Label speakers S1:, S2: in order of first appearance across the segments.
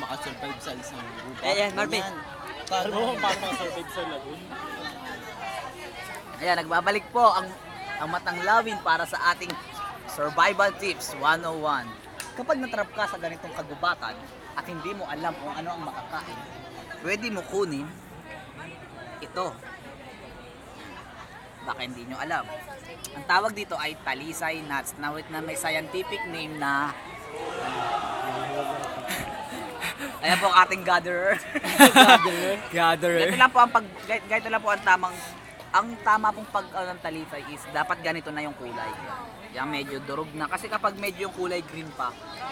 S1: makasurvive sa isang gubat.
S2: Ayan, Marvin.
S1: Paano makasurvive sa lagoon?
S2: Ayan, nagbabalik po ang matang lawin para sa ating Survival Tips 101. Kapag natrap ka sa ganitong kagubatan at hindi mo alam kung ano ang makakain, pwede mo kunin ito. Baka hindi nyo alam. Ang tawag dito ay talisay nuts na may scientific name na ayan po ang ating gatherer. Gatherer. Ganito lang po ang tama pong ng talisay is dapat ganito na yung kulay. Yung medyo durog na kasi kapag medyo yung kulay green pa,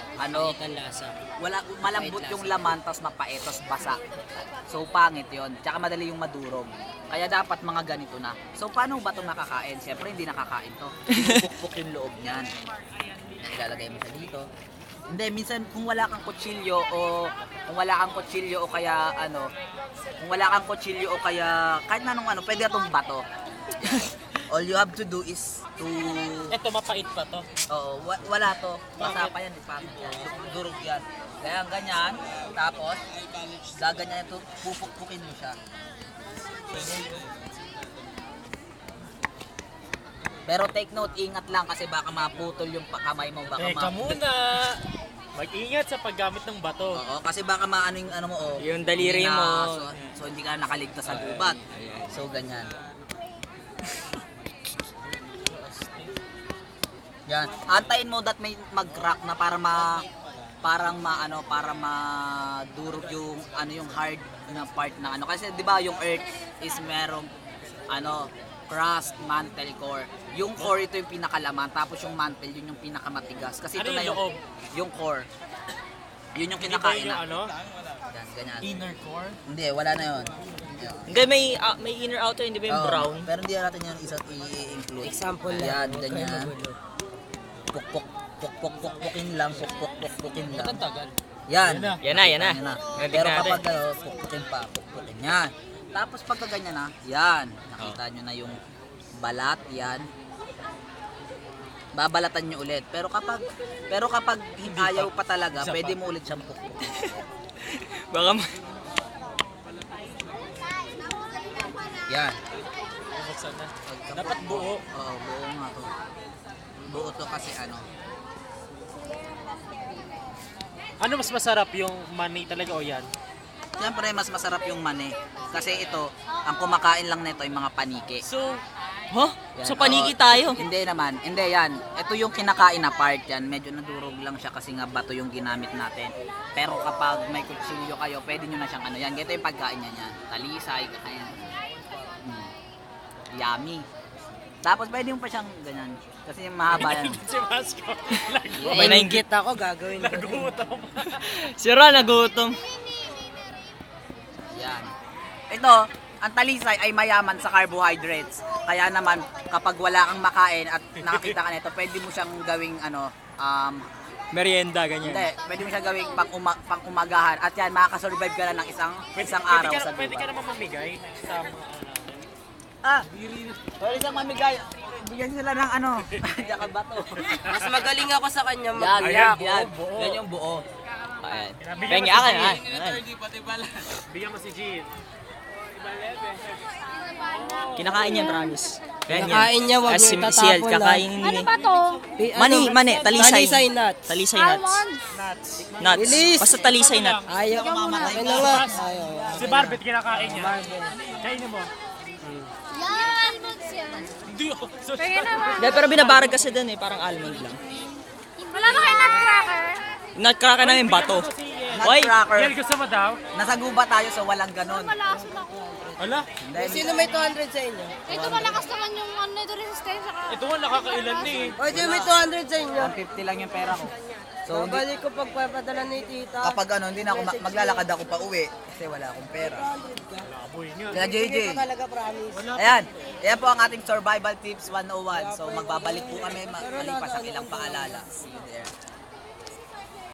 S2: malambot yung laman tapos mapait tapos basa. So pangit 'yon. Tsaka madali yung madurog. Kaya dapat mga ganito na. So paano ba 'to nakakain? Siyempre hindi nakakain 'to. Bubukbok yung loob niyan. Ilalagay mo sa dito. Hindi, minsan kung wala kang kutsilyo o kaya kahit na anong pwede itong bato. All you have to do is to...
S1: Ito, mapait pa to?
S2: Oo, wala to. Basta pa yan, pangit yan. Durog yan. Kaya ganyan, tapos gaganyan ito, pupukpukin mo siya. Pero take note, ingat lang kasi baka maputol yung kamay mo.
S1: Teka muna! Mag-ingat sa paggamit ng bato.
S2: Oo, kasi baka maano yung ano mo,
S3: yung daliri mo.
S2: So hindi ka nakaligtas sa gubat. So ganyan. Yan. Antayin mo that may mag-crack na para madurog yung yung hard na part na kasi 'di ba yung earth is merong crust, mantle, core. Yung core ito yung pinakalaman, tapos yung mantle yun yung pinakamatigas. Kasi ito na yung core. Yun yung kinakain na. Yan, ganyan.
S1: Inner core?
S2: Hindi, wala na yun.
S3: Hindi, may inner outer, hindi ba yung brown?
S2: Pero hindi natin yan i-include.
S3: Example
S2: yan, ganyan. Pukpukin lang.
S1: Ito ang tagal.
S2: Yan.
S3: Yan na.
S2: Pero kapag pukpukin yan. Tapos pagka ganyan na, yan. Nakita nyo na yung balat, yan. Babalatan nyo ulit. Pero kapag ayaw pa talaga, pwede mo ulit siyang pukpukin.
S3: Baka
S2: Yan.
S1: Dapat buo.
S2: Oo, buo nga to. Buo to kasi
S1: Ano mas masarap, yung mani talaga o yan?
S2: Siyempre, mas masarap yung mani. Kasi ito, ang kumakain lang nito ay mga paniki.
S1: So,
S2: Yan.
S3: So paniki tayo?
S2: Hindi naman. Hindi yan. Ito yung kinakain na part yan. Medyo nadurog lang siya kasi nga bato yung ginamit natin. Pero kapag may kutsilyo kayo, pwede nyo na siyang yan. Ito yung pagkain niya yan. Talisay, kakain. Yummy. Tapos pwede mo pa siyang ganyan. Kasi mahaba yan.
S1: si Vasco,
S3: May nainggit
S4: ako, gagawin ko.
S1: nagutom.
S3: Sira, nagutom.
S2: Yan. Ito, ang talisay ay mayaman sa carbohydrates. Kaya naman, kapag wala kang makain at nakakita ka nito, pwede mo siyang gawing
S3: Merienda, ganyan.
S2: hindi, pwede mo siyang gawing pang umagahan. At yan, makakasurvive ka na ng isang araw sa
S1: Pwede ka
S2: gubat.
S1: naman mamigay sa mga
S2: Pwede siyang mamigay. Bigyan sila ng Diyan bato.
S4: Mas magaling ako sa kanya
S2: Yan.
S1: buo.
S2: Yan yung buo.
S3: Ayan.
S1: Bigyan
S3: Pengi
S1: mo si
S3: akin,
S1: Jean.
S3: ha?
S1: Bigyan mo si Jean.
S3: Kinakain niya, promise.
S4: Kinakain niya, wag niyo itatapon
S3: kakainin
S5: Ano
S3: niya.
S5: ba to?
S3: Mani, talisay.
S4: Talisay nut.
S3: Talisay nuts.
S1: Nuts.
S3: Nuts.
S4: Bilis.
S3: Basta talisay nut.
S4: Ayaw. Ay na nga. Ayaw.
S1: Si Barbet kinakain niya. Kainin mo.
S5: Yan, almonds yan.
S1: Hindi oh.
S5: Pwede naman.
S3: Hindi, pero binabarag kasi dun parang almond lang.
S5: Wala ba kayo nutcracker?
S3: Nutcracker namin bato. Hoy,
S2: Nutcracker.
S1: Yan, gusto mo daw?
S2: Nasa gubat tayo so walang ganon.
S5: Malakas ako.
S1: Ala,
S4: Sino may 200 sa inyo?
S5: Ito malakas naman yung nito resistensya ka.
S1: ito nga nakakailan na eh.
S4: O, sino may 200 sa inyo?
S2: 150 lang yung pera ko. So,
S4: Babalik ko pagpapadala ni tita.
S2: kapag hindi na ako maglalakad ako pa uwi kasi wala akong pera.
S1: Laboy nga.
S2: Kaya JJ,
S4: Hindi ko talaga promise.
S2: ayan po ang ating survival tips 101. So magbabalik po kami malipas ang ilang paalala. See you there.